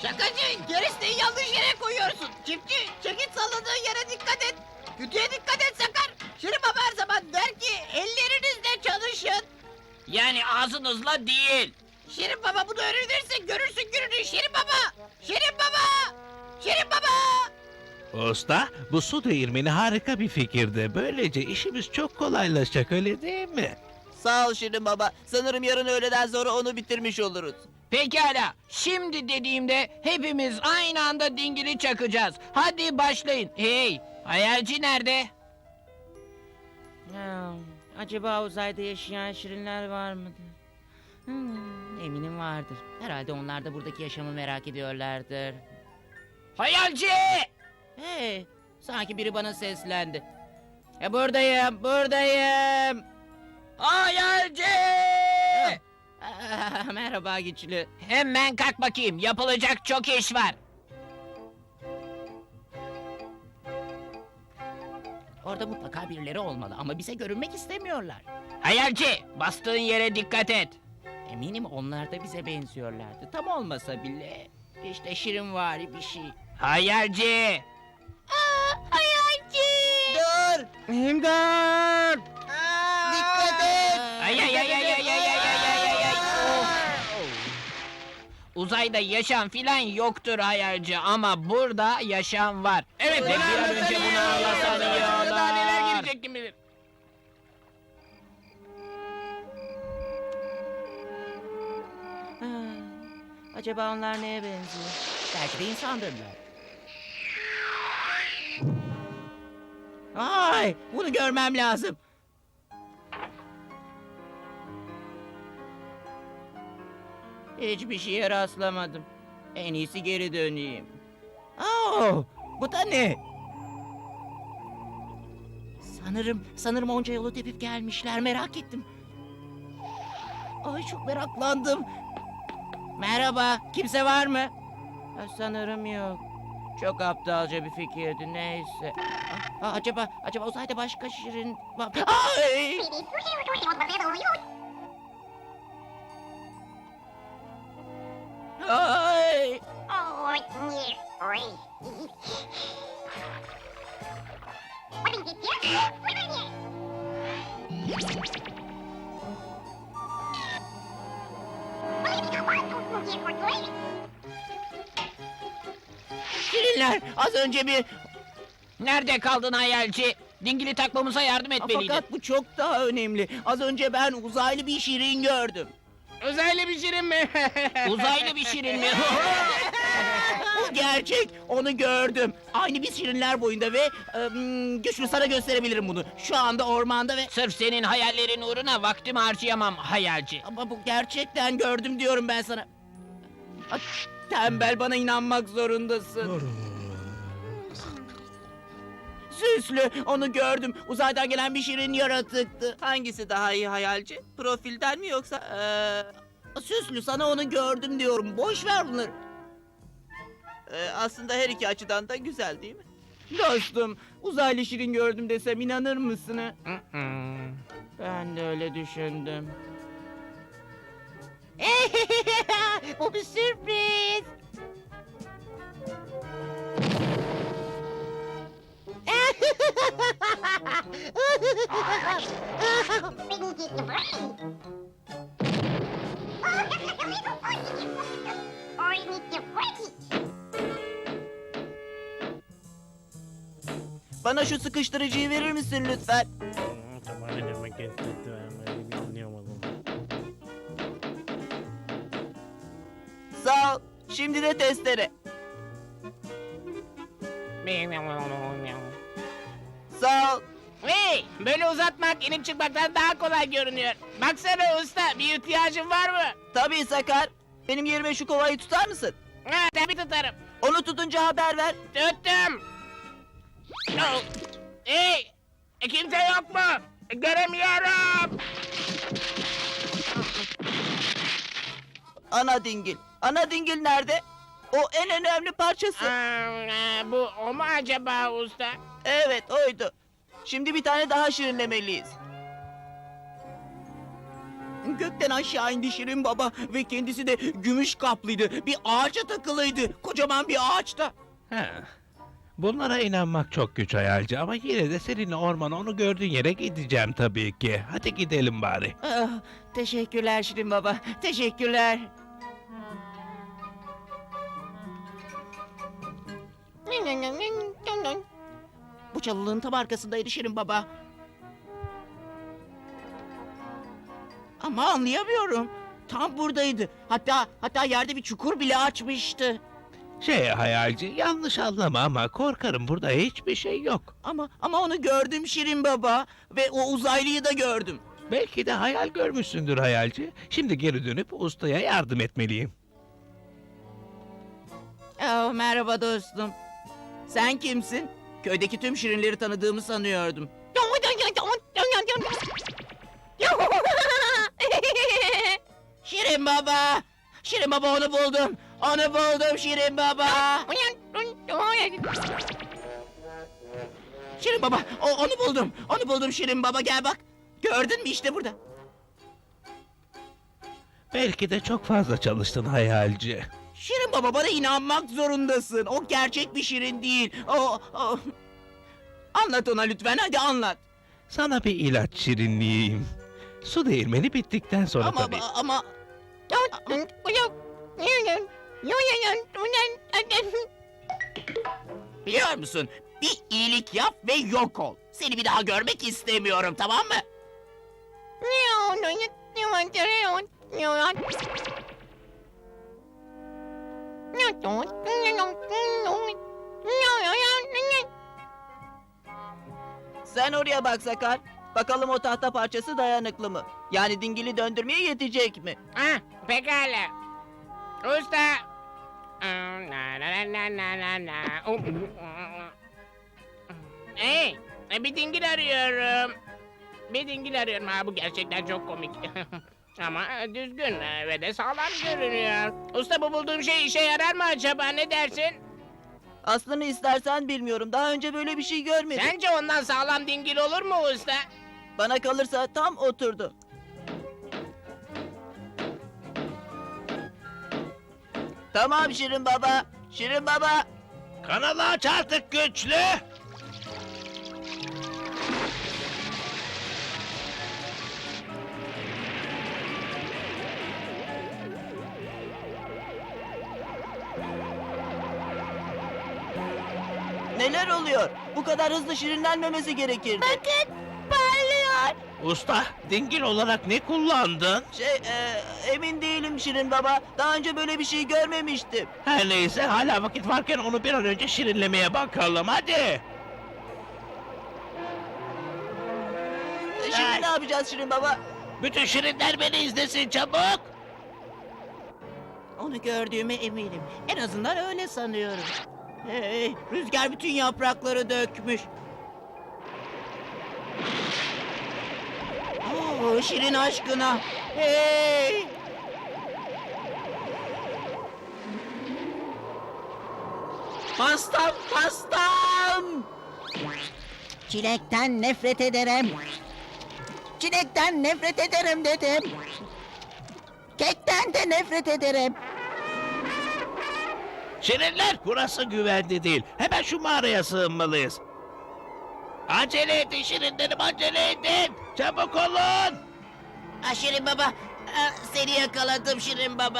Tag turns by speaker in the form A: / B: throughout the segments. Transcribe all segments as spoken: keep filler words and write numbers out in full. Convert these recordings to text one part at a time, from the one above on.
A: Şakacı, gerisini yanlış yere koyuyorsun. Çiftçi, çekit salladığın yere dikkat et. Kütüğe dikkat et Sakar. Şirin Baba her zaman der ki ellerinizle çalışın.
B: Yani ağzınızla değil.
A: Şirin Baba bunu öğrenirse görürsün gününü Şirin Baba. Şirin Baba. Şirin Baba.
C: Usta, bu su değirmeni harika bir fikirdi. Böylece işimiz çok kolaylaşacak, öyle değil mi?
D: Sağ ol Şirin Baba. Sanırım yarın öğleden sonra onu bitirmiş oluruz.
B: Pekala. Şimdi dediğimde hepimiz aynı anda dingili çakacağız. Hadi başlayın. Hey, hayalci nerede?
E: Ha, acaba uzayda yaşayan şirinler var mıdır? Hmm, eminim vardır. Herhalde onlar da buradaki yaşamı merak ediyorlardır.
B: Hayalci!
E: Hey, sanki biri bana seslendi. E, buradayım, buradayım.
B: Hayalci!
E: Ah, merhaba güçlü.
B: Hemen kalk bakayım. Yapılacak çok iş var.
E: Orada mutlaka birileri olmalı ama bize görünmek istemiyorlar.
B: Hayalci, bastığın yere dikkat et.
E: Eminim onlar da bize benziyorlardı. Tam olmasa bile işte şirinvari bir şey.
B: Hayalci!
A: Hayalci.
D: Dur!
E: İmdat!
D: Dikkat et!
B: Ay ay ay ay ay ay ay ay ay ay ay. Uzayda yaşam filan yoktur hayalci ama burada yaşam var. Evet, ve bir an önce bunu anlasan iyi olur. Daha neler gelecek kim bilir.
E: Ah, acaba onlar neye benziyor? Belki de insandırlar. Ay, bunu görmem lazım. Hiçbir şeye rastlamadım. En iyisi geri döneyim. Oh, bu da ne? Sanırım, sanırım onca yolu tepip gelmişler. Merak ettim. Ay çok meraklandım. Merhaba, kimse var mı? Ha, sanırım yok. Çok aptalca bir fikirdi, neyse. Ah, acaba, acaba uzayda başka şirin var. Ay! Ay! Şirinler, az önce bir...
B: Nerede kaldın hayalci? Dingili takmamıza yardım etmeliydin.
E: Fakat bu çok daha önemli. Az önce ben uzaylı bir şirin gördüm.
B: Uzaylı bir şirin mi? Uzaylı bir şirin mi?
E: Bu gerçek, onu gördüm. Aynı biz şirinler boyunda ve... ım, güçlü sana gösterebilirim bunu. Şu anda ormanda ve...
B: Sırf senin hayallerin uğruna vaktimi harcayamam hayalci.
E: Ama bu gerçekten gördüm diyorum ben sana. Ay, tembel, bana inanmak zorundasın. Süslü, onu gördüm. Uzaydan gelen bir şirin yaratıktı.
D: Hangisi daha iyi hayalci? Profilden mi yoksa...
E: Ee, Süslü, sana onu gördüm diyorum. Boş ver bunları.
D: e, aslında her iki açıdan da güzel değil mi?
E: Dostum, uzaylı şirin gördüm desem inanır mısın? ha? Ben de öyle düşündüm.
A: Bu bir sürpriz.
D: Bana şu sıkıştırıcıyı verir misin lütfen? Sağ ol. Şimdi de testere. Sağ ol.
B: Hey, böyle uzatmak inip çıkmaktan daha kolay görünüyor. Baksana usta, bir ihtiyacın var mı?
D: Tabii Sakar. Benim yerime şu kovayı tutar mısın?
B: Ha, tabii tutarım.
D: Onu tutunca haber ver.
B: Tuttum. Oh. Hey, e, kimse yok mu? E, Göremiyorum.
D: Ana dingil. Ana dingil nerede? O en önemli parçası.
B: Aa, bu o mu acaba usta?
D: Evet oydu. Şimdi bir tane daha şirinlemeliyiz.
E: Gökten aşağı indi Şirin Baba ve kendisi de gümüş kaplıydı. Bir ağaca takılıydı. Kocaman bir ağaçta.
C: Ha. Bunlara inanmak çok güç hayalci ama yine de seninle ormana onu gördüğün yere gideceğim tabii ki. Hadi gidelim bari.
E: Ah, teşekkürler Şirin Baba. Teşekkürler. Bu çalılığın tam arkasındaydı Şirin Baba. Ama anlayamıyorum. Tam buradaydı. Hatta hatta yerde bir çukur bile açmıştı.
C: Şey hayalci, yanlış anlama ama korkarım burada hiçbir şey yok.
E: Ama ama onu gördüm Şirin Baba ve o uzaylıyı da gördüm.
C: Belki de hayal görmüşsündür hayalci. Şimdi geri dönüp ustaya yardım etmeliyim.
E: Oh, merhaba dostum. Sen kimsin? Köydeki tüm şirinleri tanıdığımı sanıyordum. Şirin Baba! Şirin Baba onu buldum. Onu buldum Şirin Baba. Şirin Baba o, onu buldum. Onu buldum Şirin Baba gel bak. Gördün mü işte burada.
C: Belki de çok fazla çalıştın hayalci.
E: Şirin Baba bana inanmak zorundasın. O gerçek bir şirin değil. O, o... Anlat ona lütfen hadi anlat.
C: Sana bir ilaç şirinleyeyim. Su değirmeni bittikten sonra
E: Ama
C: tabii.
E: ama biliyor musun? Bir iyilik yap ve yok ol. Seni bir daha görmek istemiyorum tamam mı?
D: Sen oraya bak Sakar. Bakalım o tahta parçası dayanıklı mı? Yani dingili döndürmeye yetecek mi?
B: Ha, pekala. Usta. Aa, na na na na na na. Oh. Hey, bir dingil arıyorum. Bir dingil arıyorum. Ha, bu gerçekten çok komik. Ama düzgün ve de sağlam görünüyor. Usta bu bulduğum şey işe yarar mı acaba? Ne dersin?
D: Aslını istersen bilmiyorum. Daha önce böyle bir şey görmedim.
B: Sence ondan sağlam dingil olur mu usta?
D: Bana kalırsa tam oturdu. Tamam Şirin Baba. Şirin Baba.
C: Kanalı aç artık güçlü.
D: Neler oluyor? Bu kadar hızlı şirinlenmemesi gerekirdi.
A: Bakın parlıyor.
C: Usta, dingil olarak ne kullandın?
D: Şey, e, emin değilim Şirin Baba. Daha önce böyle bir şey görmemiştim.
C: Her neyse hala vakit varken onu bir an önce şirinlemeye bakalım hadi.
D: E, Şimdi
C: Ay.
D: ne yapacağız Şirin Baba?
C: Bütün şirinler beni izlesin çabuk.
E: Onu gördüğüme eminim. En azından öyle sanıyorum. Hey, rüzgar bütün yaprakları dökmüş. Oo, şirin aşkına. Hey! Pastam, pastam!
A: Çilekten nefret ederim. Çilekten nefret ederim dedim. Kekten de nefret ederim.
C: Şirinler burası güvenli değil. Hemen şu mağaraya sığınmalıyız. Acele edin şirinlerim acele edin. Çabuk olun.
E: Ah, Şirin Baba, ah, seni yakaladım Şirin Baba.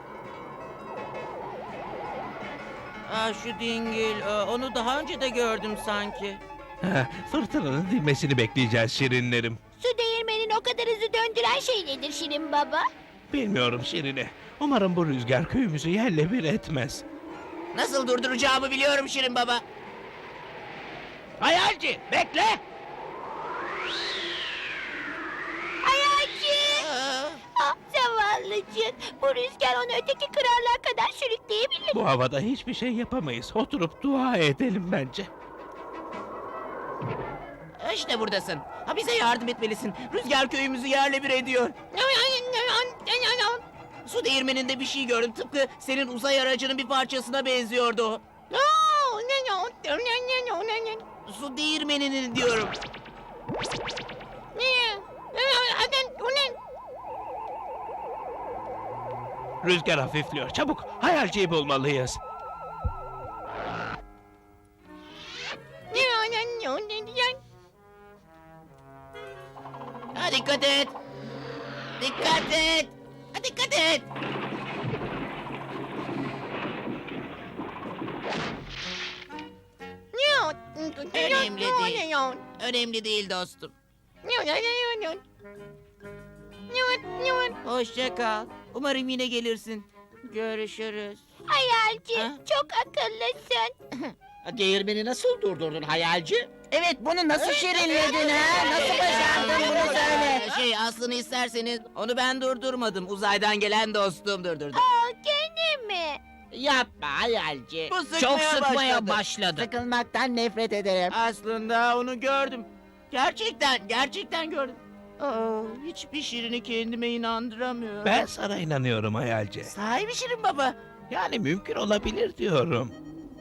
E: Ah, şu dingil, ah, onu daha önce de gördüm sanki.
C: Ha, fırtınanın dinmesini bekleyeceğiz şirinlerim.
A: Su değirmenin o kadar hızlı döndüren şey nedir Şirin Baba?
C: Bilmiyorum Şirine. Umarım bu rüzgar köyümüzü yerle bir etmez.
E: Nasıl durduracağımı biliyorum Şirin Baba.
C: Hayalci bekle.
A: Hayalci!
E: Ah,
A: Ah zavallıcık. Bu rüzgar onu öteki krallığa kadar sürükleyebilir.
C: Bu havada hiçbir şey yapamayız. Oturup dua edelim bence.
E: İşte buradasın. Ha, bize yardım etmelisin. Rüzgar köyümüzü yerle bir ediyor. Su değirmeninde bir şey gördüm. Tıpkı senin uzay aracının bir parçasına benziyordu o. Su değirmeninin diyorum.
C: Rüzgar hafifliyor. Çabuk hayalciyi bulmalıyız.
E: Ha, dikkat et. Dikkat et. Ha, dikkat et. Önemli değil. Önemli değil dostum. Hoşça kal. Umarım yine gelirsin. Görüşürüz.
F: Hayalci,
E: Ha?
F: çok akıllısın.
A: Değirmeni nasıl durdurdun hayalci?
D: Evet, bunu nasıl şirinledin ha? Nasıl başardın bunu söyle.
E: Ee, Şey aslını isterseniz onu ben durdurmadım. Uzaydan gelen dostum durdurdu.
F: Aa, gene mi?
A: Yapma hayalci.
D: Bu sıkmaya
A: Çok sıkmaya
D: başladı.
A: başladı.
D: Sıkılmaktan nefret ederim.
E: Aslında onu gördüm. Gerçekten, gerçekten gördüm. Aa, hiçbir şirini kendime inandıramıyorum.
C: Ben sana inanıyorum hayalci.
E: Sahibi Şirin Baba.
C: Yani mümkün olabilir diyorum.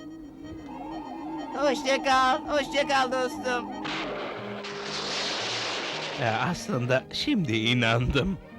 E: Hoşça kal, hoşça kal dostum.
C: Ya aslında şimdi inandım.